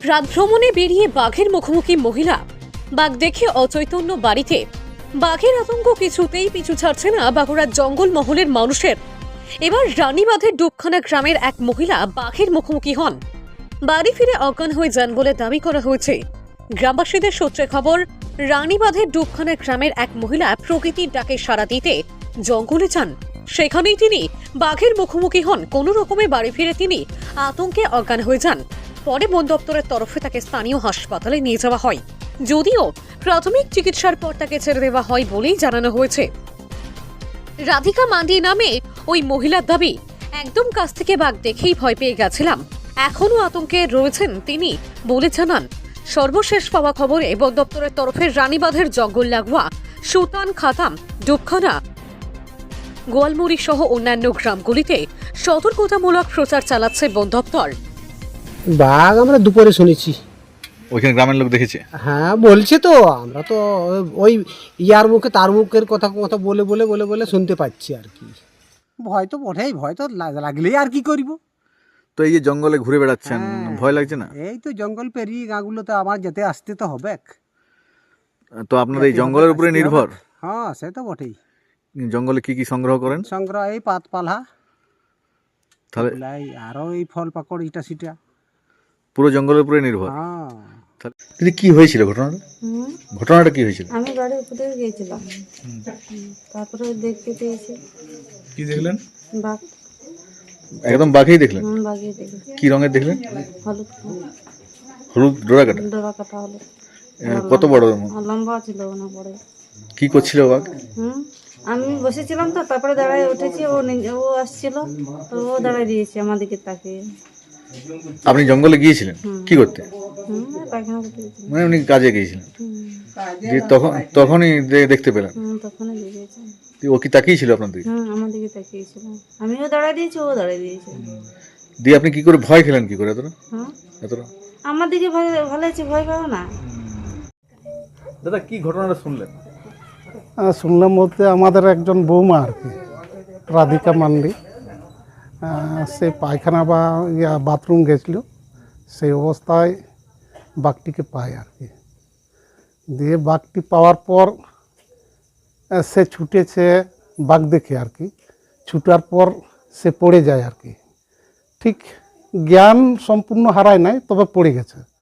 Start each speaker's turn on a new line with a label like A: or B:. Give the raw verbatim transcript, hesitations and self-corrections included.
A: রাত ভ্রমণে বেরিয়ে বাঘের মুখোমুখি মহিলা। বাঘ দেখে অচৈতন্য বাড়িতে। বাঘের আতঙ্ক কিছুতেই পিছু ছাড়ছে না বাঁকুড়ার জঙ্গল মহলের মানুষের। এবার রানীবাঁধের ডুবখানা গ্রামের এক মহিলা বাঘের মুখোমুখি হন। বাড়ি ফিরে অজ্ঞান হয়ে যান বলে দাবি করা হয়েছে। গ্রামবাসীদের সূত্রে খবর, রানীবাঁধের ডুবখানা গ্রামের এক মহিলা প্রকৃতির ডাকে সাড়া দিতে জঙ্গলে যান। সেখানেই তিনি বাঘের মুখোমুখি হন। কোনো রকমে বাড়ি ফিরে তিনি আতঙ্কে অজ্ঞান হয়ে যান। পরে বন দপ্তরের তরফে তাকে স্থানীয় হাসপাতালে নিয়ে যাওয়া হয়, যদিও প্রাথমিক চিকিৎসার পর তাকে ছেড়ে দেওয়া হয় বলেই জানানো হয়েছে। রাধিকা মান্ডি নামে ওই মহিলার দাবি, একদম কাছ থেকে বাঘ দেখেই ভয় পেয়ে গেছিলাম, এখনও আতঙ্কে রয়েছেন তিনি বলে জানান। সর্বশেষ পাওয়া খবরে বন দপ্তরের তরফে রানীবাঁধের জঙ্গল লাগোয়া সুতান, খাতাম, ডুবখানা, গোয়ালমুড়ি সহ অন্যান্য গ্রামগুলিতে সতর্কতামূলক প্রচার চালাচ্ছে বন দপ্তর।
B: বাঘ আমরা দুপুরে শুনেছি।
C: ওইখানে গ্রামের লোক দেখেছে?
B: হ্যাঁ বলছে তো, আমরা তো ওই ইয়ার মুখে তার মুখের কথা কথা বলে বলে বলে বলে শুনতে পাচ্ছি আর কি। ভয় তো বটেই, ভয় তো লাগ- লাগলেই আর কি করব।
C: তো এই যে জঙ্গলে ঘুরে বেড়াচ্ছেন,
B: হ্যাঁ।
C: ভয় লাগছে না?
B: এই তো জঙ্গল পেরিয়ে গাঁগুলোতে আমার যেতে আসতে তো হবে।
C: তো আপনার এই জঙ্গলের উপরে নির্ভর?
B: হ্যাঁ সে তো বটেই।
C: জঙ্গলে কি কি সংগ্রহ করেন?
B: সংগ্রহ এই পাত পালা,
C: তাহলে
B: আরো এই ফল পাকড় ইটা সিটা।
C: পুরো জঙ্গলের উপরে নির্ভর।
B: হ্যাঁ
C: কিন্তু কি হয়েছিল ঘটনাটা? ঘটনাটা কি হয়েছিল?
D: আমি বাড়ির উপরে গিয়েছিলাম, তারপরে দেখতে পেয়েছি
C: কি দেখলেন?
D: বাঘ।
C: একদম বাঘেই দেখলেন?
D: হুম, বাঘই দেখি।
C: কি রঙের দেখলেন?
D: হলুদ
C: হলুদ ডোরা কাটা?
D: ডোরা কাটা হলুদ।
C: কত বড়?
D: আর লম্বা ছিল না বড়।
C: কি করছিল বাঘ?
D: হুম, আমি বসেছিলাম তো, তারপরে দাঁড়ায় উঠেছি, ও নিজে- ও আসছিল তো ও দাঁড়ায় দিয়েছে আমার দিকে তাকিয়ে।
C: আপনি জঙ্গলে গিয়েছিলেন কি করতে?
D: হুম, পায়খানা করতে গেছিলাম।
C: মানে উনি কাজে গিয়েছিলেন,
D: হুম,
C: যে তখন তখনই দে- দেখতে পেলেন?
D: হুম, তখনই দিয়েছে।
C: ও কি তাকিয়েছিল আপনার দিকে?
D: হুম, আমার দিকে তাকিয়েছিল। আমিও দাঁড়ায় দিয়েছি, ও দাঁড়ায় দিয়েছে।
C: দিয়ে আপনি কি করে ভয় খেলেন? কি করে এতটা
D: হ্যাঁ,
C: এতটা?
D: আমার দিকে ভয় ভালো আছে, ভয় পাবো না।
C: দাদা কি ঘটনাটা শুনলেন?
E: আহ, শুনলাম বলতে আমাদের একজন বৌমা আর কি, রাধিকা মান্ডি, আহ, সে পায়খানা বা ইয়া বাথরুম গেছিল, সেই অবস্থায় বাঘটিকে পায় আর কি। দিয়ে বাঘটি পাওয়ার পর আহ, সে ছুটেছে বাঘ দেখে আর কি। ছুটার পর সে পড়ে যায় আর কি। ঠিক জ্ঞান সম্পূর্ণ হারায় নাই, তবে পড়ে গেছে।